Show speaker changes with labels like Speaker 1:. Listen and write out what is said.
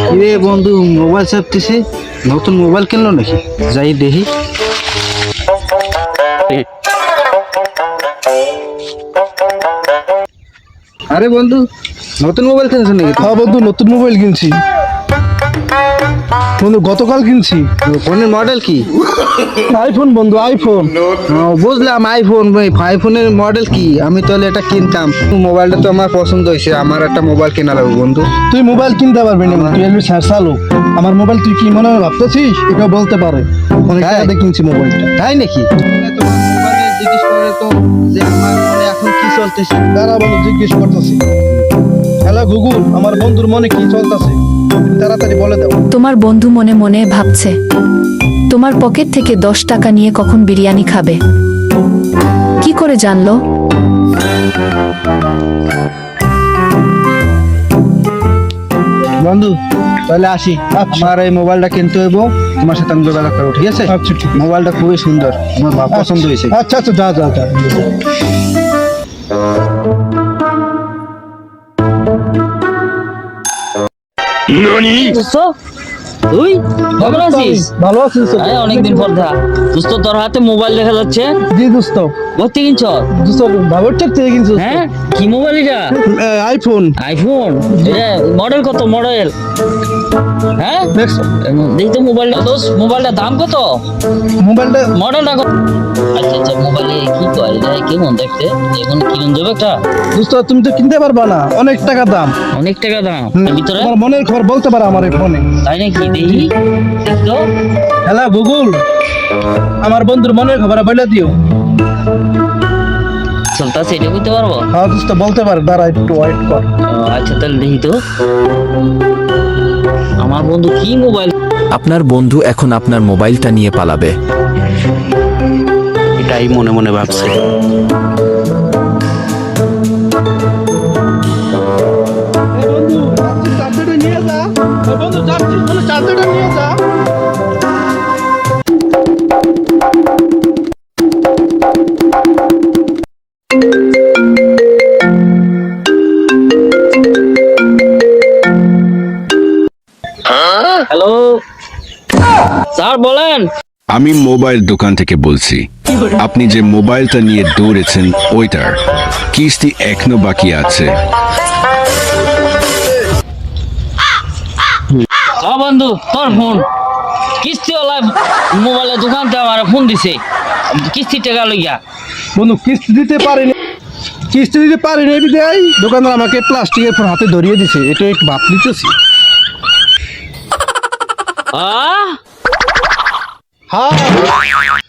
Speaker 1: রে বন্ধু মোবাইল চাপতেছে, নতুন মোবাইল কিনলো নাকি? যাই দেখি। আরে বন্ধু নতুন মোবাইল কিনছো নাকি?
Speaker 2: হ্যাঁ বন্ধু, নতুন মোবাইল কিনছি বন্ধু, গতকাল কিনছি।
Speaker 1: ফোনের মডেল কি?
Speaker 2: আইফোন বন্ধু, আইফোন।
Speaker 1: বুঝলাম আইফোন। আইফোনের মডেল কি? আমি তাহলে এটা কিনতাম। মোবাইলটা তো আমার পছন্দ হয়েছে, আমার একটা মোবাইল কেনা লাগবে বন্ধু।
Speaker 2: তুই মোবাইল কিনতে পারবি না, তুই একটু চালু। আমার মোবাইল তুই কি মনে হয় ভাবতেছিস? এটা বলতে পারে অনেক টাকা দিয়ে কিনছি মোবাইলটা।
Speaker 1: তাই নাকি? তোমার মোবাইলে জিজ্ঞেস করে তো যে আমার মনে এখন কি চলতেছে।
Speaker 2: তারা বলো জিজ্ঞেস করতেছি। হ্যালো গুগল, আমার বন্ধুর মনে কি চলতেছে তাড়াতাড়ি বলে দাও।
Speaker 3: তোমার বন্ধু মনে মনে ভাবছে তোমার পকেট থেকে 10 টাকা নিয়ে কখন বিরিয়ানি খাবে। কি করে জানলো?
Speaker 1: বন্ধু তাহলে আসি, আমার এই মোবাইলটা কিনতে হইব, তোমার সাথে আমি যোগাযোগ করবো, ঠিক আছে?
Speaker 2: আচ্ছা ঠিক আছে।
Speaker 1: মোবাইলটা খুবই সুন্দর, আমার পছন্দ হয়েছে।
Speaker 2: আচ্ছা আচ্ছা, যা যা যা।
Speaker 4: তুই কেমন আছিস?
Speaker 2: ভালো আছিস?
Speaker 4: অনেকদিন পর দেখা। দোস্ত তোর হাতে মোবাইল দেখা যাচ্ছে,
Speaker 2: জি দোস্ত।
Speaker 4: ভর্তি কিনছ?
Speaker 2: দোস্ত ভাবের চেক থেকে কিনছিস?
Speaker 4: হ্যাঁ, কি মোবাইল এটা?
Speaker 2: আইফোন।
Speaker 4: আইফোন? মডেল কত মডেল? হ্যাঁ দেখি তো মোবাইলটা। দোস্ত মোবাইলটার দাম কত?
Speaker 2: মোবাইলটা
Speaker 4: মডেলটা কত? আচ্ছা আচ্ছা, মোবাইলে কি কয় এটা? কেমন দেখতে? এখন কিনুন যাবে একটা?
Speaker 2: দোস্ত তুমি তো কিনতে পারবা না, অনেক টাকা দাম।
Speaker 4: অনেক টাকা দাম। ভিতরে
Speaker 2: তোমার মনের খবর বলতে পারো আমার এই ফোনে।
Speaker 4: তাই নাকি? দেখি তো।
Speaker 2: হ্যালো গুগল, আমার বন্ধুর মনের খবর বলে দিও।
Speaker 4: চলতেছে, এটা বুঝতে পারবো?
Speaker 2: হ্যাঁ দোস্ত বলতে পারে, দাঁড়া একটু ওয়েট কর।
Speaker 4: আচ্ছা তাহলে দেখি তো আমার বন্ধু কি মোবাইল।
Speaker 5: আপনার বন্ধু এখন আপনার মোবাইলটা নিয়ে পালাবে।
Speaker 6: এটাই মনে মনে ভাবছে।
Speaker 2: বন্ধু চার্জারটা নিয়ে যা। বন্ধু চার্জারটা নিয়ে যা।
Speaker 4: হ্যালো স্যার, বলেন।
Speaker 7: আমি মোবাইল দোকান থেকে বলছি। আপনি যে মোবাইলটা নিয়ে দৌড়েছেন ওইটার কিস্তি এখনো বাকি আছে।
Speaker 4: বন্ধু তোর ফোন কিস্তিওয়ালা মোবাইলের দোকান থেকে আমার ফোন দিছে, কিস্তির টাকা লইয়া।
Speaker 2: বন্ধু কিস্তি দিতে পারিনি, বিদায় দোকানদার আমাকে প্লাস্টিকের ফোন হাতে ধরিয়ে দিছে। এটা একটু ভাব নিতেছি।
Speaker 4: আহ
Speaker 2: হ্যাঁ